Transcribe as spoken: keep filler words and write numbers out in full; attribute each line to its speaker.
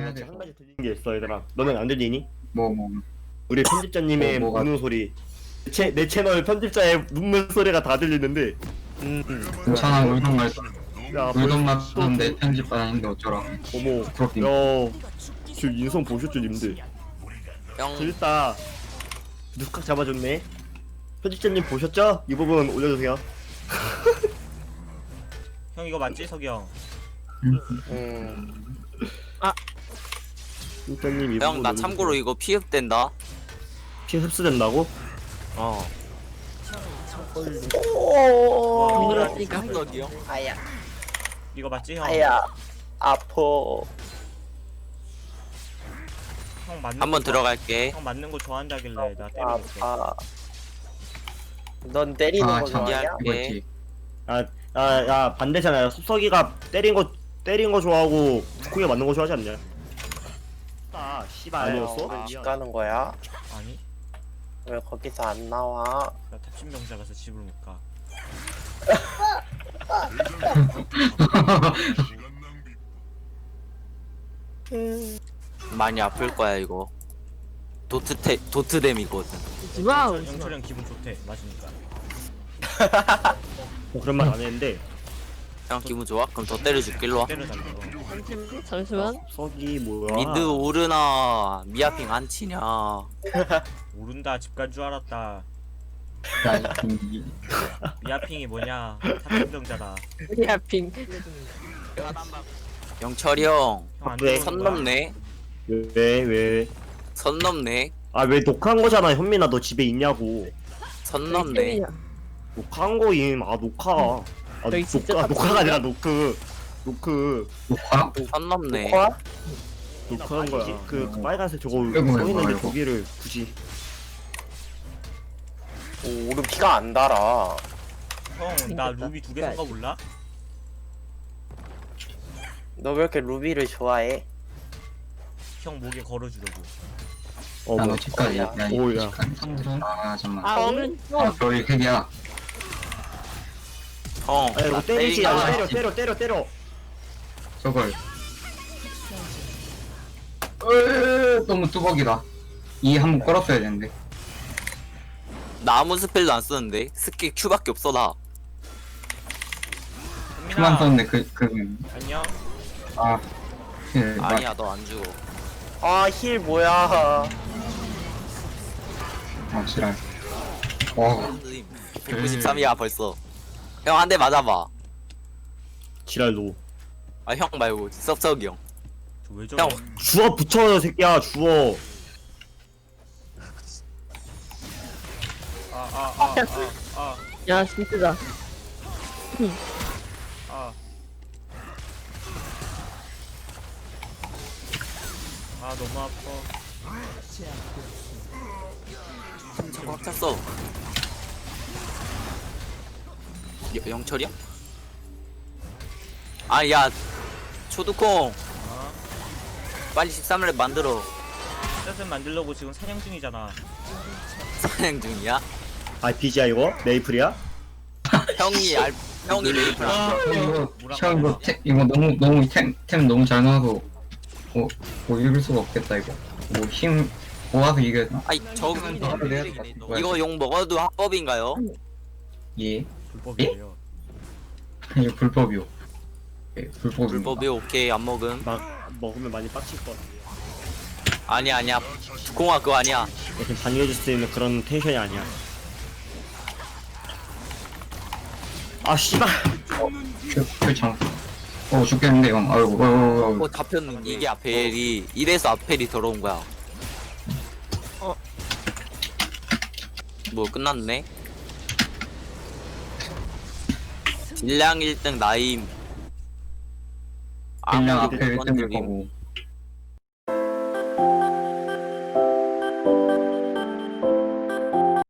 Speaker 1: 해야
Speaker 2: 한
Speaker 1: 돼.
Speaker 2: 가지 들리는 게 있어 얘들아. 너는 안 들리니?
Speaker 1: 뭐 뭐.
Speaker 2: 우리 편집자님의
Speaker 1: 뭐, 뭐가-
Speaker 2: 우는 소리. 제, 내 채널 편집자의 눈물 소리가 다 들리는데.
Speaker 3: 음.
Speaker 1: 괜찮아 울던 말
Speaker 2: 야,
Speaker 1: 울던 말
Speaker 2: 벌써
Speaker 1: 하는데
Speaker 2: 또-
Speaker 1: 편집 안 하는데 어쩌라.
Speaker 2: 어머.
Speaker 1: 부끄럽긴.
Speaker 2: 야, 지금 인성 보셨죠 님들?
Speaker 3: 형
Speaker 2: 들다. 누각 잡아줬네. 편집자님 보셨죠? 이 부분 올려주세요.
Speaker 4: 형 이거 맞지 석이 형?
Speaker 3: 음.
Speaker 2: 편집자님 이 부분
Speaker 3: 형 나
Speaker 2: 올려주세요.
Speaker 3: 참고로 이거 피흡된다.
Speaker 2: 피 흡수된다고?
Speaker 3: 어.
Speaker 4: 와,
Speaker 5: 그러니까.
Speaker 3: 형
Speaker 6: 아야,
Speaker 4: 이거 맞지 형?
Speaker 6: 아야, 아퍼.
Speaker 4: 형 맞는
Speaker 3: 한번
Speaker 4: 거 좋아-
Speaker 3: 들어갈게.
Speaker 4: 형 맞는 거 좋아한다길래 나 때려볼게.
Speaker 6: 아파. 넌 때리는
Speaker 1: 아
Speaker 6: 거
Speaker 1: 참.
Speaker 6: 좋아하냐?
Speaker 1: 이거지.
Speaker 2: 아, 야, 야 반대잖아. 섭석이가 때린 거 때린 거 좋아하고 북콩이 맞는 거 좋아하지 않냐? 아, 씨발 아니었어?
Speaker 6: 왜 집 가는 거야?
Speaker 4: 아니?
Speaker 6: 왜 거기서 안 나와?
Speaker 4: 나 탑신병자라서 집을 못 가.
Speaker 3: 많이 아플 거야 이거. 도트테 도트뎀이거든.
Speaker 5: 와우.
Speaker 4: 영철이 형 기분 좋대 맞으니까.
Speaker 2: 어, 그런 말 안 했는데
Speaker 3: 형 기분 좋아? 그럼 더 때려줄게. 일로 와.
Speaker 4: 때려달래.
Speaker 5: 잠시만. 잠시만.
Speaker 2: 섭석이 뭐야?
Speaker 3: 미드 오르나 미아핑 안 치냐?
Speaker 4: 모른다 집 간 줄 알았다.
Speaker 1: 야, 이-
Speaker 4: 미아핑이 뭐냐? 탑신병자다.
Speaker 5: 야핑.
Speaker 3: 영철이 형.
Speaker 4: 형안
Speaker 2: 왜?
Speaker 4: 들어오는
Speaker 3: 선
Speaker 4: 거야?
Speaker 3: 넘네.
Speaker 2: 왜 왜?
Speaker 3: 선 넘네.
Speaker 2: 아 왜 녹화한 거잖아 현민아 너 집에 있냐고.
Speaker 3: 선 넘네.
Speaker 2: 녹화한 거임. 아 녹화. 아
Speaker 5: 저기 진짜
Speaker 2: 녹화
Speaker 5: 다
Speaker 2: 녹화가 아니라 노크. 노크.
Speaker 1: 녹화?
Speaker 3: 선 넘네.
Speaker 6: 코아?
Speaker 2: 녹화한 거야. 그, 그 빨간색 저거
Speaker 1: 아이고, 아이고,
Speaker 2: 써있는데
Speaker 1: 아이고.
Speaker 2: 저기를 굳이.
Speaker 6: 오, 우리 피가 안 달아.
Speaker 4: 형 나
Speaker 5: 생겼다.
Speaker 4: 루비 두 개 산 거 몰라?
Speaker 6: 너 왜 이렇게 루비를 좋아해?
Speaker 4: 형 목에 걸어주려고.
Speaker 2: 어
Speaker 1: 야,
Speaker 2: 뭐.
Speaker 1: 너 집까지. 야, 이
Speaker 2: 오, 야.
Speaker 1: 집까지. 아, 잠깐만.
Speaker 5: 아
Speaker 6: 형?
Speaker 5: 오른쪽.
Speaker 1: 아, 별이 핵이야.
Speaker 3: 형.
Speaker 2: 아 이거
Speaker 3: 나
Speaker 2: 때리지.
Speaker 3: 때리나?
Speaker 2: 아, 때려 때려 때려 때려.
Speaker 1: 저걸. 으, 너무 뚜벅이다. 이 한번 걸었어야 되는데.
Speaker 3: 나 아무 스펠도 안 쓰는데 스킬 Q밖에 없어 나.
Speaker 1: 그만
Speaker 4: 현민아
Speaker 1: 썼는데 그, 그,
Speaker 4: 안녕.
Speaker 1: 아. 그, 막-
Speaker 3: 아니야 너 안 죽어.
Speaker 6: 아, 힐 뭐야?
Speaker 1: 아, 지랄. 와,
Speaker 3: 백구십삼이야 벌써. 형 한 대 맞아봐.
Speaker 2: 지랄 노.
Speaker 3: 아 형 말고 섭석이 형.
Speaker 4: 저왜 저래?
Speaker 3: 형.
Speaker 2: 주워 붙여 새끼야 주워.
Speaker 4: 아아아아 아, 아,
Speaker 5: 야 진짜다.
Speaker 4: 아. 아 너무 아파.
Speaker 3: 저거 꽉 찼어. 여, 영철이야? 아야 초두콩
Speaker 4: 아
Speaker 3: 빨리 십삼 렙 만들어.
Speaker 4: 셋을 만들려고 지금 사냥 중이잖아.
Speaker 3: 사냥 중이야?
Speaker 2: 아 비지야 이거? 메이플이야?
Speaker 3: 형이 알 형이 메이플 안
Speaker 1: 형 이거,
Speaker 4: 뭐라
Speaker 1: 형 이거, 템, 이거 너무, 너무, 템, 템 너무 잘 나와서, 뭐, 뭐 읽을 수가 없겠다, 이거. 뭐, 힘, 모아서 이겼나?
Speaker 3: 아이 저기
Speaker 1: 바로 내야 될것 같아.
Speaker 3: 이거 용 먹어도 합법인가요?
Speaker 1: 예.
Speaker 4: 불법이에요.
Speaker 1: 이거 불법이요. 예, 불법입니다.
Speaker 3: 불법이 오케이 안 먹음.
Speaker 2: 막 먹으면 많이 빡칠 것 같아.
Speaker 3: 아니야 아니야 공화 그거 아니야.
Speaker 2: 이렇게 반겨줄 수 있는 그런 텐션이 아니야. 아 씨발.
Speaker 1: 그, 그 장. 어, 죽겠는데, 형. 아이고, 아이고, 아이고.
Speaker 3: 어 잡혔는 이게 아펠이 이래서 아펠이 더러운 거야.
Speaker 5: 어.
Speaker 3: 뭐 끝났네. 딜량 일 등 나임.
Speaker 1: 그냥
Speaker 3: 아무리
Speaker 1: 앞에 일 등일
Speaker 3: 건드림.
Speaker 1: 거고.